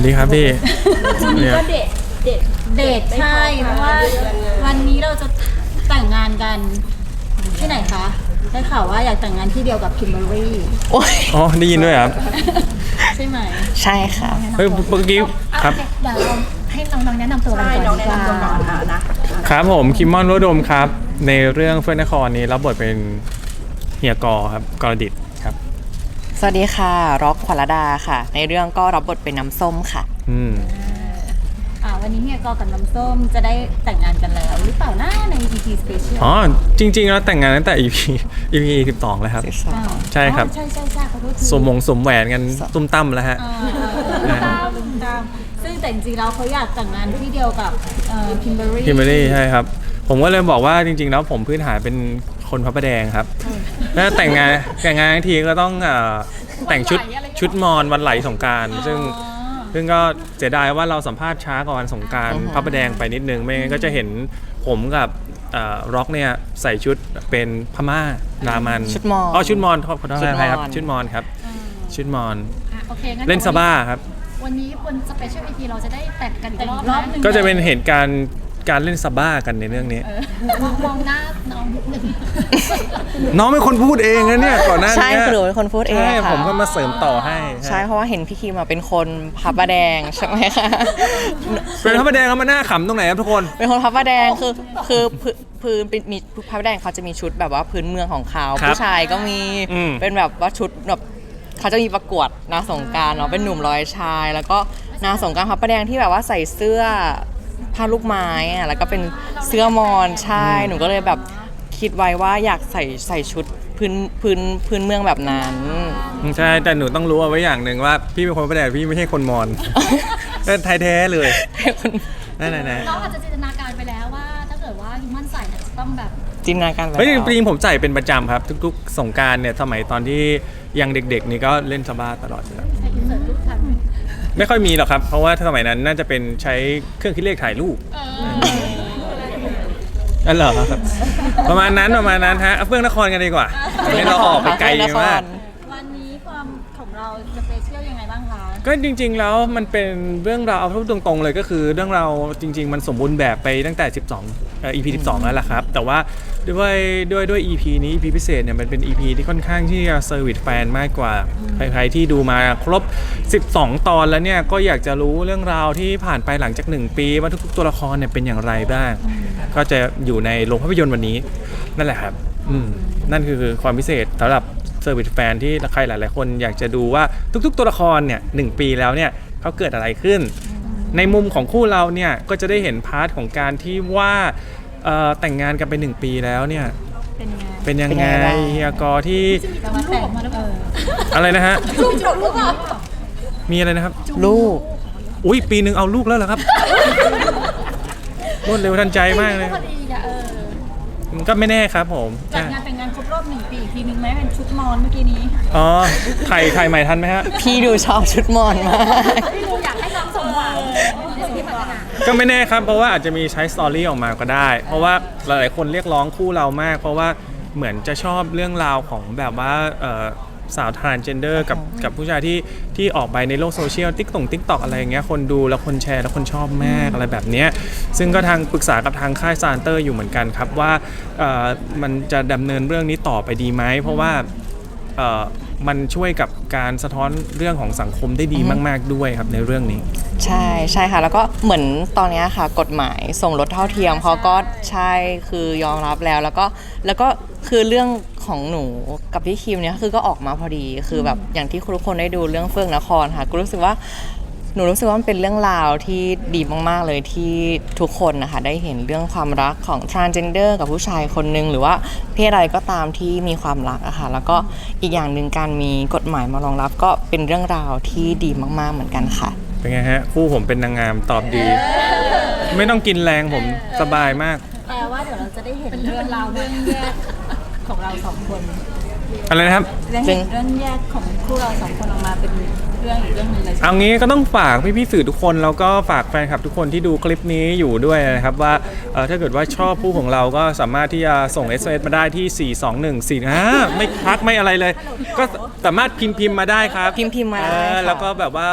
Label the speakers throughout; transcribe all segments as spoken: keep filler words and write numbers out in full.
Speaker 1: ดีครับพี่
Speaker 2: วันนี้ก็เดทเดท
Speaker 3: เดทใช่เพราะว่าวันนี้เราจะแต่งงานกันที่ไหนคะได้ข่าวว่าอยากแต่งงานที่เดียวกับคิมเบอร์รี่
Speaker 4: โอ้ย
Speaker 1: อ๋อได้ยินด้วยครับ
Speaker 3: ใช่ไหม
Speaker 4: ใช่ค่ะ
Speaker 1: เฮ้ยเมื่อกี้ครับ
Speaker 2: เดี๋ยวเราให้น้องๆแนะนำตัวกัน
Speaker 5: ใช่
Speaker 2: ก่อน
Speaker 5: น้อง
Speaker 2: ดี
Speaker 5: แนะ
Speaker 2: กว่าน
Speaker 5: ำตัวก่อนอ่ะนะครับ
Speaker 1: ผมคิมมอนวดมครับ ในเรื่องเฟื่องนครนี้รับบทเป็นเฮียกอครับกรดิตครับ
Speaker 4: สวัสดีค่ะร็อกขวัญระดาค่ะ ในเรื่องก็รับบทเป็นน้ำส้มค่ะ
Speaker 1: อืม
Speaker 3: อ่าวันนี้เนี่ยกอกับน้ำส้มจะได้แต่งงานกันแล้วหรือเปล่านะใน อี พี Special
Speaker 1: อ๋อจริงๆแล้วแต่งงานตั้งแต่ อี พี อี พี สิบสองแล้วครับ
Speaker 3: อ้าว
Speaker 1: ใช่ครับ
Speaker 3: อ๋อใช่ใช่ใช่ขอโทษที
Speaker 1: สมมงสมแหวนกันตุ้มตั้มแล้วฮะ
Speaker 3: อ่าอ่าตามตามซึ่งแต่จริงๆแล้วเขาอยากแต่งงานที่เดียวกับคิมเบอร์รี่
Speaker 1: คิมเบอรี่ใช่ครับ ผมก็เลยบอกว่าจริงๆแล้วผมพื้นฐานเป็นคนพระประแดงครับแล้วแต่งงานแต่งงานทั้งทีก็ต้องเอ่อแต่งชุดชุดมอญวันไหลสงกรานต์ซึ่งซึ่งก็เสียดายว่าเราสัมภาษณ์ช้ากว่าวันสงกรานต์
Speaker 4: อือฮึ
Speaker 1: พระประแดงไปนิดนึงไม่งั้นก็จะเห็นผมกับเอ่อร็อกเนี่ยใส่ชุดเป็นพม่ารามัน
Speaker 4: ชุดมอญ
Speaker 1: อ๋อชุดมอญขอโทษ
Speaker 4: ชุดมอญ
Speaker 1: นะครับชุดมอญครับชุดมอญ
Speaker 2: อ่ะโอเคงั้น
Speaker 1: เล่นซาบ้าครับ
Speaker 2: วันนี้บนสเปเชียล อี พี เราจะได้แต่งกันอีก
Speaker 3: แต่ง
Speaker 2: รอบ
Speaker 3: รอบ
Speaker 2: นะ
Speaker 3: หนึง
Speaker 1: ก็จะเป็นเหตุการณ์การเล่นซาบ้ากันในเรื่องนี้
Speaker 2: มองมองหน้าน้องนิดนึง
Speaker 1: น้องเป็นคนพูดเองนะเนี่ยก่อนหน้านี้
Speaker 4: ใช่คือหนูเป็นคนพูดเอง
Speaker 1: ใช่
Speaker 4: ค่ะ
Speaker 1: ผมก็มาเสริมต่อให้
Speaker 4: ใช่เพราะว่าเห็นพี่คิมอะเป็นคนพับประแดงใช่ไหมคะ
Speaker 1: เป็นพระประแดงแล้วมันน่าขำตรงไหนครับทุกคน
Speaker 4: เป็นคนพับประแดงคือคือพื้นพื้นเป็นมีพับประแดงเขาจะมีชุดแบบว่าพื้นเมืองของเขา
Speaker 1: ครับ
Speaker 4: ผู้ชายก็มี
Speaker 1: อืม
Speaker 4: เป็นแบบว่าชุดแบบเขาจะมีประกวดนางสงกรารเนาะเป็นหนุ่มร้อยชาย แล้วก็นางสงกรารพับประแดงที่แบบว่าใส่เสื้อผ้าลูกไม้อะแล้วก็เป็นเสื้อมอนใช่หนูก็เลยแบบคิดไว้ว่าอยากใส่ใส่ชุดพื้นพื้นพื้นเมืองแบบนั้น
Speaker 1: ใช่แต่หนูต้องรู้เอาไว้อย่างหนึ่งว่าพี่เป็นคนพระประแดงพี่ไม่ใช่คนมอญ เป็นไทยแท้เลยนั่นๆ
Speaker 2: น้องอาจจะจินตนาการไปแล้วว่า ถ้าเกิดว่าฮิมมันใส่เนี่ยจะต้องแบบ
Speaker 4: จินตนาการ
Speaker 1: ๆ
Speaker 4: แบบ
Speaker 1: เฮ้ยจริงๆผมใส่เป็นประจำครับ ทุกๆสงกรารเนี่ยสมัยตอนที่ยังเด็กๆนี่ก็เล่นซาบ้าตลอดอยู่แล้ว
Speaker 2: ใส่อินเสิร์ตรูปทัน
Speaker 1: ไม่ค่อยมีหรอกครับ เพราะว่าสมัยนั้นน่าจะเป็นใช้เครื่องคิดเลขถ่ายรูปนั่นเหรอครับ ประมาณนั้นประมาณนั้นฮะเอาเฟื่องนครกันดีกว่าไม่เราออกไปไกลมาก
Speaker 3: วันนี้ความของเราสเปเชียลยังไงบ้างคะ
Speaker 1: ก็จริงๆแล้วมันเป็นเรื่องราวเอาพูดตรงๆเลยก็คือเรื่องราวจริง ๆ มันสมบูรณ์แบบไปตั้งแต่ สิบสองเอ่อ อี พี สิบสอง แล้วล่ะครับ แต่ว่าด้วยด้วยด้วย อี พี นี้ อี พี พิเศษเนี่ยมันเป็น อี พี ที่ค่อนข้างที่จะเซอร์วิสแฟนมากกว่าใครๆที่ดูมาครบ สิบสอง ตอนแล้วเนี่ยก็อยากจะรู้เรื่องราวที่ผ่านไปหลังจาก หนึ่ง ปีว่าทุกๆตัวละครเนี่ยเป็นอย่างไรบ้าง ก็จะอยู่ในโรงภาพยนตร์วันนี้นั่นแหละครับอืมนั่นคือความพิเศษสำหรับเซอร์วิสแฟนที่ใครหลายๆคนอยากจะดูว่าทุกๆตัวละครเนี่ยหนึ่งปีแล้วเนี่ยเขาเกิดอะไรขึ้น ในมุมของคู่เราเนี่ยก็จะได้เห็นพาร์ทของการที่ว่าเอ่อแต่งงานกันไปหนึ่งปีแล้วเนี่ย
Speaker 3: เป็นยังไง
Speaker 1: เป็นยัง
Speaker 4: เป็น
Speaker 1: ไง
Speaker 4: ยังไงบ้าง
Speaker 1: เฮียกอที่
Speaker 3: แต่ว่าแต่งมาแล้วเออ
Speaker 1: อะไรนะฮะ
Speaker 2: จุ๊บจุ๊บหรือเปล่า
Speaker 1: มีอะไรนะครับ
Speaker 4: ลูก
Speaker 1: อุ้ยปีหนึ่งเอาลูกแล้วเหรอครับ รวดเร็วทันใจมากเลย
Speaker 2: พอดีอะเออ
Speaker 1: ก็ไม่แน่ครับผม
Speaker 3: จัดงานแต่งงานครบรอบหนึ่งปีอีกทีหนึ่งไหมเป็นชุดมอนเมื่อกี้นี้
Speaker 1: อ๋อถ่ายถ่ายใหม่ทันไหมฮะ
Speaker 4: พี่ดูชอบชุดมอนมาก
Speaker 2: พี่ดูอยากให้น้องสมหวังในสิ่งที่ปรารถนา
Speaker 1: ก็ไม่แน่ครับเพราะว่าอาจจะมีใช้สตอรี่ออกมาก็ได้ เพราะว่าหลายๆคนเรียกร้องคู่เรามาก เพราะว่าเหมือนจะชอบเรื่องราวของแบบว่าเอ่อสาวทรานเจนเดอร์กับกับผู้ชายที่ที่ออกไปในโลกโซเชียลติ๊กต่งติ๊กตอกอะไรอย่างเงี้ยคนดูแล้วคนแชร์แล้วคนชอบมากอะไรแบบเนี้ยซึ่งก็ทางปรึกษากับทางค่ายซานเตอร์อยู่เหมือนกันครับว่าเอ่อมันจะดำเนินเรื่องนี้ต่อไปดีไหมเพราะว่าเอ่อมันช่วยกับการสะท้อนเรื่องของสังคมได้ดีมาก ๆด้วยครับในเรื่องนี้
Speaker 4: ใช่ใช่ค่ะ แล้วก็เหมือนตอนเนี้ยค่ะกฎหมายสมรสเท่าเทียมเขาก็ใช่คือยอมรับแล้วแล้วก็แล้วก็คือเรื่องของหนูกับพี่คิมเนี่ยคือก็ออกมาพอดีคือแบบอย่างที่ทุกคนได้ดูเรื่องเฟื่องนครค่ะก็รู้สึกว่าหนูรู้สึกว่ามันเป็นเรื่องราวที่ดีมากๆเลยที่ทุกคนนะคะได้เห็นเรื่องความรักของ transgender กับผู้ชายคนนึงหรือว่าเพศอะไรก็ตามที่มีความรักอะค่ะแล้วก็อีกอย่างหนึ่งการมีกฎหมายมารองรับก็เป็นเรื่องราวที่ดีมากๆเหมือนกันค่ะ
Speaker 1: เป็นไงฮะคู่ผมเป็นนางงามตอบดี ไม่ต้องกินแรงผมสบายมาก
Speaker 3: แปลว่าเดี๋ยวเราจะได้เห็นเรื่องราวเรื่องแยกของเราสองคน
Speaker 1: อะไรนะครับ
Speaker 3: ได้เห็นเรื่องแยกของคู่เราสองคนออกมาเป็นเรื่องอีกเรื่องหนึงเลยใช่ไหม
Speaker 1: เอางี้ก็ต้องฝากพี่ๆสื่อทุกคนแล้วก็ฝากแฟนคลับทุกคนที่ดูคลิปนี้อยู่ด้วยนะครับว่าเอ่อถ้าเกิดว่าชอบคู่ของเราก็สามารถที่จะส่ง เอส เอ็ม เอส มาได้ที่ สี่ สอง หนึ่ง สี่ ห้า ไม่พักไม่อะไรเลย ก็สามารถพิมพ์พิมพ์มาได้ครับ
Speaker 4: พิมพ์พิมพ์มาได้
Speaker 1: เออ
Speaker 4: ค่ะ
Speaker 1: แล้วก็แบบว่า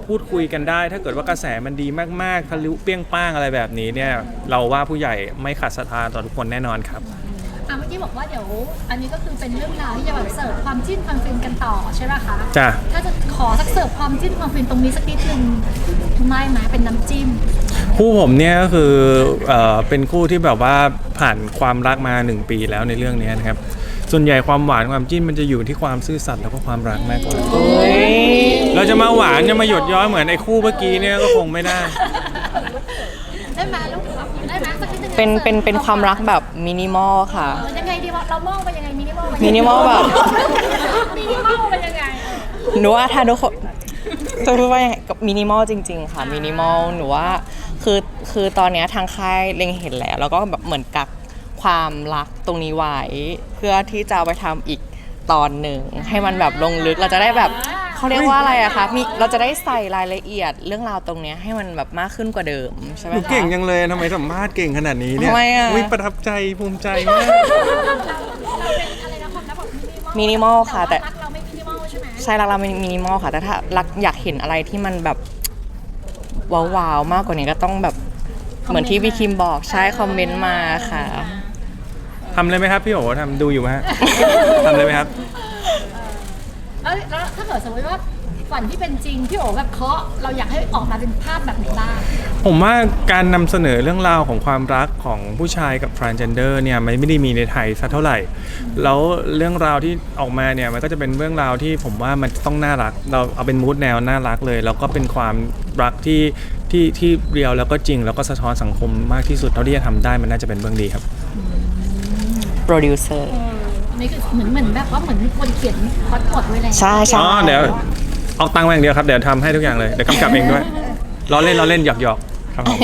Speaker 1: พูดคุยกันได้ ถ้าเกิดว่ากระแสมันดีมากๆทะลุเปรี้ยงป้างอะไรแบบนี้เนี่ยเราว่าผู้ใหญ่ไม่ขาดศรัทธาต่อทุกคนแน่นอนครับ
Speaker 2: อ่ะเมื่อกี้บอกว่าเดี๋ยวอันนี้ก็คือเป็นเรื่องราวที่จะแบบเสิร์ฟความจิ้นความฟินกันต่อใช่ไหมคะ
Speaker 1: จ้ะ
Speaker 2: ถ้าจะขอสักเสิร์ฟความจิ้นความฟินตรงนี้สักนิดนึงไม่ไหมเป็นน้ำจิ้ม
Speaker 1: คู่ผมเนี่ยก็คือเอ่อเป็นคู่ที่แบบว่าผ่านความรักมาหนึ่งปีแล้วในเรื่องนี้นะครับส่วนใหญ่ความหวานความจิ้นมันจะอยู่ที่ความซื่อสัตย์แล้วก็ความรักมากกว่า
Speaker 4: เฮ้ย
Speaker 1: เราจะมาหวานจะมาหยดย้อยเหมือนไอ้คู่เมื่อกี้เนี่ยก็คงไม่ได้
Speaker 2: ได้ไหมลูกได้ไหมสักนิดนึง
Speaker 4: เป็นเป็นเป็นความรักแบบมินิมอลค่ะ
Speaker 2: เออยังไงดีวะเรามองไปยังไงมินิมอลไป
Speaker 4: มินิมอลแบบ
Speaker 2: มินิมอลไปยังไง
Speaker 4: หนูว่าถ้าทุกคนจะพูดว่ายังไงกับมินิมอลจริง ๆ ค่ะมินิมอลหนูว่าคือคือตอนเนี้ยทางค่ายเล็งเห็นแล้วแล้วก็แบบเหมือนกักความรักตรงนี้ไว้เพื่อที่จะเอาไปทำอีกตอนหนึ่งให้มันแบบลงลึกเราจะได้แบบเขาเรียกว่าอะไรอะคะมีเราจะได้ใส่รายละเอียดเรื่องราวตรงเนี้ยให้มันแบบมากขึ้นกว่าเดิมใช่ไหม
Speaker 1: หนู
Speaker 4: คะ
Speaker 1: เก่งยังเลยทำไมสัมภาษณ์เก่งขนาดนี้เนี่ย
Speaker 4: ทำไมอะ
Speaker 1: วิประทับใจภูมิใจมาก
Speaker 2: เราเป็นอะไรนะความรักแบบมินิมอล
Speaker 4: มินิมอลค่ะแต่
Speaker 2: แต่ว่ารักเราไม่มินิมอลใช่ไหม
Speaker 4: ใช่รักเรามินิมอลค่ะ แต่ถ้ารักอยากเห็นอะไรที่มันแบบว้าวๆมากกว่านี้ก็ต้องแบบเหมือนที่พี่คิมบอกใช่คอมเมนต์มาค่ะ
Speaker 1: ทำเลยไหมครับพี่โอ๋ทำดูอยู่ไหมฮะ ทำเลยไหมครับ
Speaker 2: เอ้ยแล้วถ้าเกิดสมมติว่าฝันที่เป็นจริงพี่โอ๋แบบเคาะเราอยากให้ออกมาเป็นภาพแบบไหนบ้าง
Speaker 1: ผมว่าการนำเสนอเรื่องราวของความรักของผู้ชายกับ transgender เนี่ยมันไม่ได้มีในไทยสักเท่าไหร่ แล้วเรื่องราวที่ออกมาเนี่ยมันก็จะเป็นเรื่องราวที่ผมว่ามันต้องน่ารัก เราเอาเป็นมูดแนวน่ารักเลย แล้วก็เป็นความรักที่ที่ที่เรียวแล้วก็จริง แล้วก็สะท้อนสังคมมากที่สุดเท่าที่จะทำได้มันน่าจะเป็นเรื่องดีครับ
Speaker 4: โปรดิวเซอร์
Speaker 2: อันนี้คือเหมือนเหมือนแบบว่าเหมือนมีคนเขียนพล็อตบทไว้แล้ว
Speaker 4: ใช่ใช่
Speaker 1: อ๋อเดี๋ยวเอาตังค์มาอย่างเดียวครับเดี๋ยวทำให้ทุกอย่างเลยเดี๋ยวกำกับเองด้วยล้อเล่นล้อเล่นหยอกหยอกๆครับผม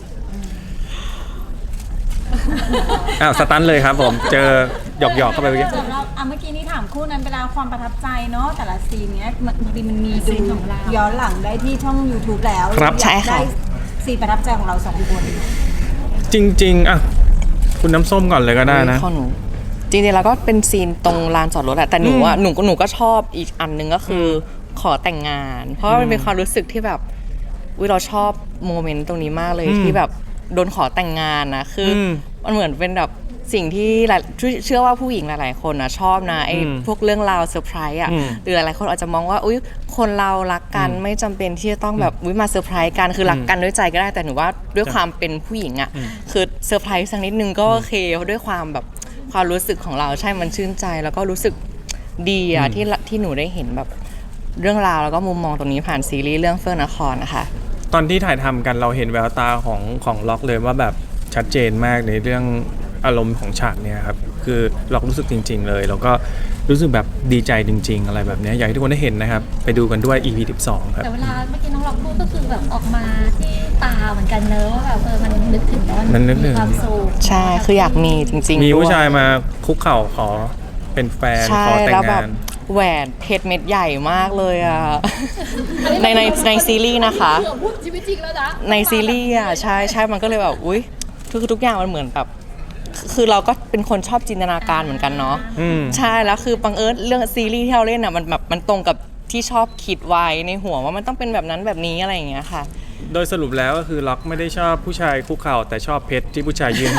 Speaker 1: อ้าวสตันเลยครับผมเจอหยอกหยอกๆเข้าไปเมื่อกี้
Speaker 3: สำหรับอ่ะเมื่อกี้นี่ถามคู่นั้นไปแล้วความประทับใจเนาะแต่ละซีนเนี้ยมันจริงๆมันมีดูย้อนหลังได้ที่ช่อง YouTube แล้ว
Speaker 1: ครับ
Speaker 3: อยากได้ซีนประทับใจของเราสองคน
Speaker 1: จริงๆอ่ะคุณน้ำส้มก่อนเลยก็ได้นะ
Speaker 4: ของหนูจริงๆแล้วก็เป็นซีนตรงลานจอดรถอะแต่หนูอะหนูก็หนูก็ชอบอีกอันหนึงก็คืออขอแต่งงาน เพราะว่ามันเป็นความรู้สึกที่แบบวิเราชอบโมเมนต์ตรงนี้มากเลย
Speaker 1: อืม
Speaker 4: ที่แบบโดนขอแต่งงานนะคืออ
Speaker 1: ม
Speaker 4: มันเหมือนเป็นแบบสิ่งที่หลายเชื่อว่าผู้หญิงหลายๆคนนะชอบนะไอ้
Speaker 1: อืม
Speaker 4: พวกเรื่องราวเซอร์ไพรส์อะ
Speaker 1: อืม
Speaker 4: หรือหลายๆคนอาจจะมองว่าอุ้ยคนเรารักกัน
Speaker 1: อืม
Speaker 4: ไม่จำเป็นที่จะต้องแบบอุ้ยมาเซอร์ไพรส์กันคือรักกันด้วยใจก็ได้แต่หนูว่าด้วยความเป็นผู้หญิงอะ
Speaker 1: อืม
Speaker 4: คือเซอร์ไพรส์สักนิดนึงก็โอเคเพราะด้วยความแบบความรู้สึกของเราใช่มันชื่นใจแล้วก็รู้สึกดีอะที่ละที่หนูได้เห็นแบบเรื่องราวแล้วก็มุมมองตรงนี้ผ่านซีรีส์เรื่องเฟื่องนครนะคะ
Speaker 1: ตอนที่ถ่ายทำกันเราเห็นแววตาของของล็อกเลยว่าแบบชัดเจนมากในเรื่องอารมณ์ของฉากเนี่ยครับคือล็อกรู้สึกจริง ๆ เลย แล้วก็รู้สึกแบบดีใจจริง ๆ อะไรแบบเนี้ยอยากให้ทุกคนได้เห็นนะครับไปดูกันด้วย อี พี สิบสองครับ
Speaker 2: แต่เวลาเมื่อกี้น้องเราพูดก็คือแบบออกมาที่ตาเหมือนกันเนอะว่าแบบเออมันนึกถึงแล้ว
Speaker 1: มันนึกถึ
Speaker 2: มี
Speaker 1: ง
Speaker 2: ความสุข
Speaker 4: ใช่คืออยากมีจริงๆ
Speaker 1: มีผู้
Speaker 4: ด้วย
Speaker 1: ชายมาคุกเข่าขอเป็นแฟน
Speaker 4: ใช่
Speaker 1: ขอแต่
Speaker 4: แล้ว
Speaker 1: ง
Speaker 4: แบ
Speaker 1: งา
Speaker 4: บ
Speaker 1: น
Speaker 4: แหวนเพชรเม็ดใหญ่มากเลยอ่ะ ในในในซีรีส์นะคะ
Speaker 2: เผื่อพูดชีวิตจริงแล้วนะ
Speaker 4: ในซีรีส์อ่ะใช่ใช่มันก็เลยแบบอุ้ยทุกทุกอย่างมันเหมือนแบบคือเราก็เป็นคนชอบจินตนาการเหมือนกันเนาะ
Speaker 1: อืม
Speaker 4: ใช่แล้วคือบังเอิญเรื่องซีรีส์ที่เราเล่นอ่ะมันแบบมันตรงกับที่ชอบคิดไว้ในหัวว่ามันต้องเป็นแบบนั้นแบบนี้อะไรอย่างเงี้ยค่ะ
Speaker 1: โดยสรุปแล้วก็คือล็อกไม่ได้ชอบผู้ชายคุกเข่าแต่ชอบเพชรที่ผู้ชายยื่นให้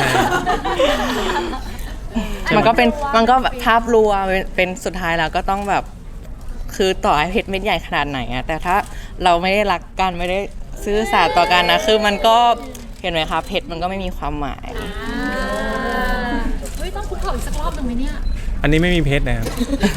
Speaker 4: มันก็เป็นมันก็แบบภาพรวมเป็นเป็นสุดท้ายแล้วก็ต้องแบบคือต่อให้เพชรเม็ดใหญ่ขนาดไหนอะแต่ถ้าเราไม่ได้รักกันไม่ได้ซื่อสัตย์ต่อกันนะคือมันก็เห็นไหมคะเพชรมันก็ไม่มีความหมาย
Speaker 2: อ่าเฮ้ยต้องคุกเข่าอีกสักรอบหนึ่งไหมเนี่ย
Speaker 1: อันนี้ไม่มีเพชรนะครับ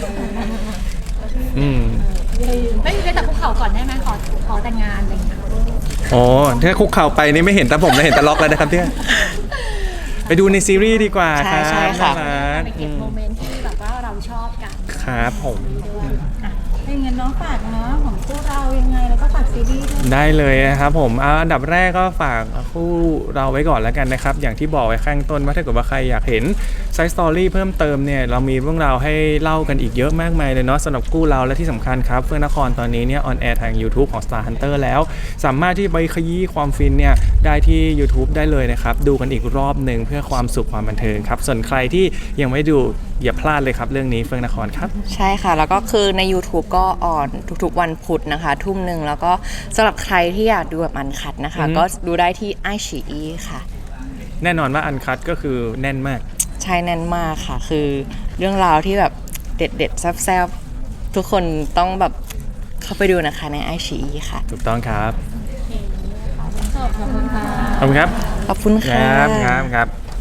Speaker 1: อืม
Speaker 2: ไม่มีเพชรแต่คุกเข่าก่อนได้ไหมขอขอแต่งงานอะไรอย่างเงี้ย
Speaker 1: โอ้ถ้าคุกเข่าไปนี่ไม่เห็นแต่ผมแล้วเห็นแต่ล็อกแล้วนะครับเนี่ยไปดูในซีรีส์ดีกว่า
Speaker 4: ใช่
Speaker 1: ครับ
Speaker 4: ใช่ค่ะ
Speaker 1: น่ารัก
Speaker 2: ไปเก็บโมเมนต์ที่แบบว่าเราชอบกัน
Speaker 1: ครับผม
Speaker 3: ถ้าอย่างนั้นน้องฝากเนาะของคู่เรายังไงแล้วก็ฝากซีรีส์ด้วย
Speaker 1: ได้เลยนะครับผมเอาอันดับแรกก็ฝากคู่เราไว้ก่อนแล้วกันนะครับ อย่างที่บอกไว้ข้างต้นว่าถ้าเกิดว่าใครอยากเห็นไซส์สตอรี่เพิ่มเติมเนี่ยเรามีเรื่องราวให้เล่ากันอีกเยอะมากมายเลยเนาะสำหรับกู้เราและที่สำคัญครับเฟื่องนครตอนนี้เนี่ยออนแอร์ทาง YouTube ของ Star Hunter แล้วสามารถที่ไปขยี้ความฟินเนี่ยได้ที่ YouTube ได้เลยนะครับดูกันอีกรอบหนึ่งเพื่อความสุขความบันเทิงครับส่วนใครที่ยังไม่ดูอย่าพลาดเลยครับเรื่องนี้เฟื่องนครครับ
Speaker 4: ใช่ค่ะ แล้วก็คือใน YouTube ก็ออนทุกๆวันพุธนะคะ ทุ่มหนึ่งแล้วก็สำหรับใครที่อยากดูแบบอันคัดนะคะ
Speaker 1: อือฮึ
Speaker 4: ก็ดูได้ที่ไอชีอีค่ะ
Speaker 1: แน่นอนว่าอันคัดก็คือแน่นมาก
Speaker 4: ใช่แน่นมากค่ะ คือเรื่องราวที่แบบเด็ดๆแซ่บๆ ทุกคนต้องแบบเข้าไปดูนะคะในไอชีอีค่ะ
Speaker 1: ถูกต้องครับ
Speaker 2: ขอบคุณค่ะ
Speaker 1: ขอบคุณครับ
Speaker 4: ขอบคุณ
Speaker 1: ค
Speaker 4: ค่ะ
Speaker 1: รับครับครับ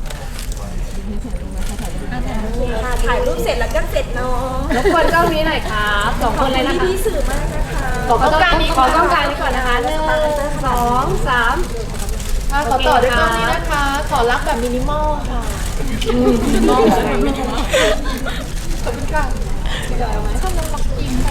Speaker 5: ถ่ายรูปเสร็จแล้วก็เสร็จเนาะ
Speaker 2: รบกวนกล้องนี้หน่อยครับสองคนเลยนะคะ
Speaker 5: พี่ๆสื่อมากนะคะ
Speaker 2: ขอกล้องกลางนี้ขอกล้องกลางนี้ก่อนนะคะหนึ่งสองสามค่ะขอต่อด้วยกล้องนี้นะคะ ขอรักแบบมินิมอลค่ะมินิมอลอะไรขอบคุณค่ะชอบน้องมักกิน